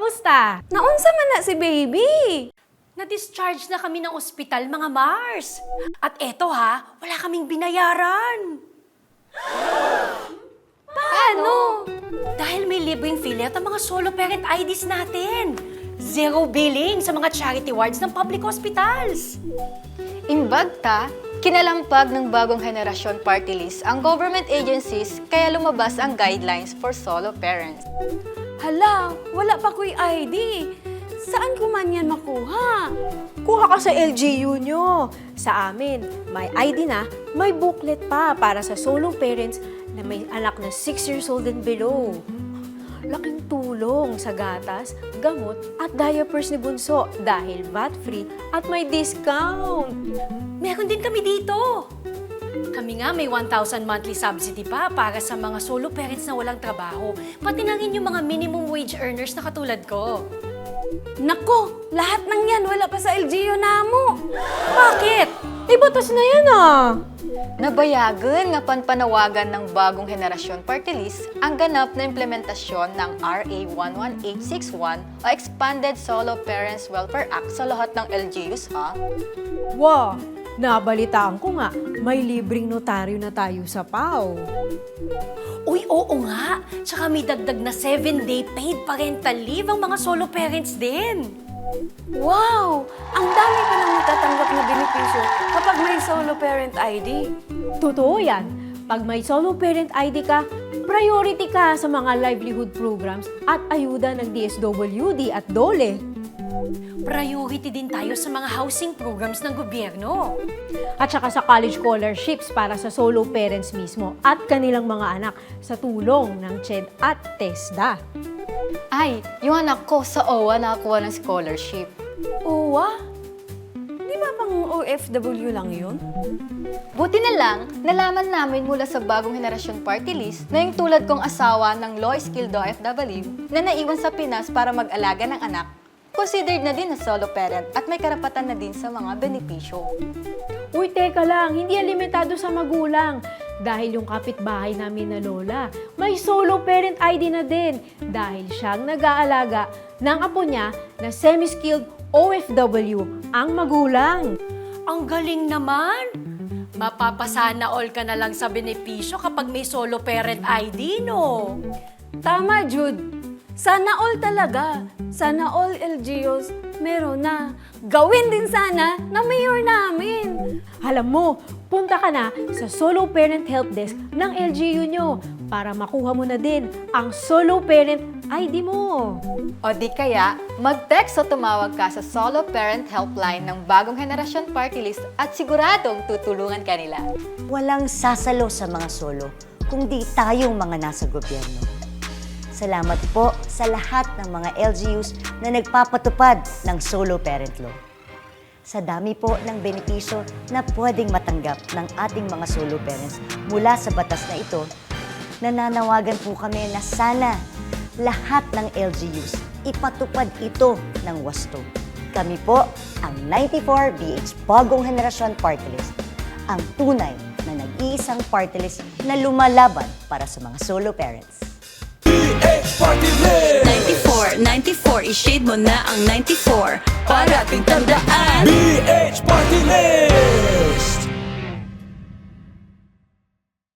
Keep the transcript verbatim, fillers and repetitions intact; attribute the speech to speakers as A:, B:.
A: Kumusta? Naunsa man na si baby?
B: Na-discharge na kami ng ospital, mga Mars. At eto ha, wala kaming binayaran.
A: Paano?
B: Dahil may libreng filet ang mga solo parent I Ds natin. Zero billing sa mga charity wards ng public hospitals.
C: Imbag ta, kinalampag ng bagong henerasyon party list ang government agencies kaya lumabas ang guidelines for solo parents.
A: Hala, wala pa ko'y I D. Saan ko man yan makuha?
D: Kuha ka sa L G U nyo. Sa amin, may I D na, may booklet pa para sa solo parents na may anak na six years old and below. Laking tulong sa gatas, gamot at diapers ni Bunso dahil V A T-free at may discount.
B: Meron din kami dito. Kami nga may one thousand monthly subsidy pa para sa mga solo parents na walang trabaho. Pati na rin yung mga minimum wage earners na katulad ko.
A: Nako, lahat ng yan wala pa sa L G U namo.
B: Bakit?
D: Ay, batas na yan ah!
C: Nabayagan nga panpanawagan ng bagong henerasyon party list ang ganap na implementasyon ng R A one one eight six one o Expanded Solo Parents Welfare Act sa lahat ng L G Us ha.
D: Wow! Nabalitaan ko nga, may libreng notaryo na tayo sa P A O.
B: Uy, oo nga. Tsaka may dagdag na seven day paid parental leave ang mga solo parents din.
A: Wow! Ang dami pa nang natatanggap na benepisyo kapag may solo parent I D.
D: Totoo yan. Pag may solo parent I D ka, priority ka sa mga livelihood programs at ayuda ng D S W D at DOLE.
B: Priority din tayo sa mga housing programs ng gobyerno.
D: At saka sa college scholarships para sa solo parents mismo at kanilang mga anak sa tulong ng C H E D at TESDA.
C: Ay, yung anak ko sa O W A nakakuha ng scholarship.
A: Uwa? Di ba pang O F W lang yun?
C: Buti na lang, nalaman namin mula sa bagong henerasyon party list na yung tulad kong asawa ng low-skilled O F W na naiwan sa Pinas para mag-alaga ng anak, considered na din na solo parent at may karapatan na din sa mga benepisyo.
D: Uy, teka lang, hindi yan limitado sa magulang. Dahil yung kapitbahay namin na lola, may solo parent I D na din dahil siyang nag-aalaga ng apo niya na semi-skilled O F W ang magulang.
B: Ang galing naman! Mapapasana all ka na lang sa benepisyo kapag may solo parent I D, no?
A: Tama, Jude. Sana all talaga. Sana all L G Us meron na. Gawin din sana na mayor namin.
D: Alam mo, punta ka na sa Solo Parent Help Desk ng L G U nyo para makuha mo na din ang solo parent I D mo.
C: O di kaya, mag-text o tumawag ka sa Solo Parent Helpline ng bagong henerasyon party list at siguradong tutulungan ka nila.
E: Walang sasalo sa mga solo, kundi tayong mga nasa gobyerno. Salamat po sa lahat ng mga L G Us na nagpapatupad ng solo parent law. Sa dami po ng benepisyo na pwedeng matanggap ng ating mga solo parents mula sa batas na ito, nananawagan po kami na sana lahat ng L G Us ipatupad ito ng wasto. Kami po ang ninety-four B H Bagong Henerasyon Party List, ang tunay na nag-iisang party list na lumalaban para sa mga solo parents.
F: ninety-four, ninety-four, i-shade mo na ang ninety-four. Parating tandaan
G: B H Party List!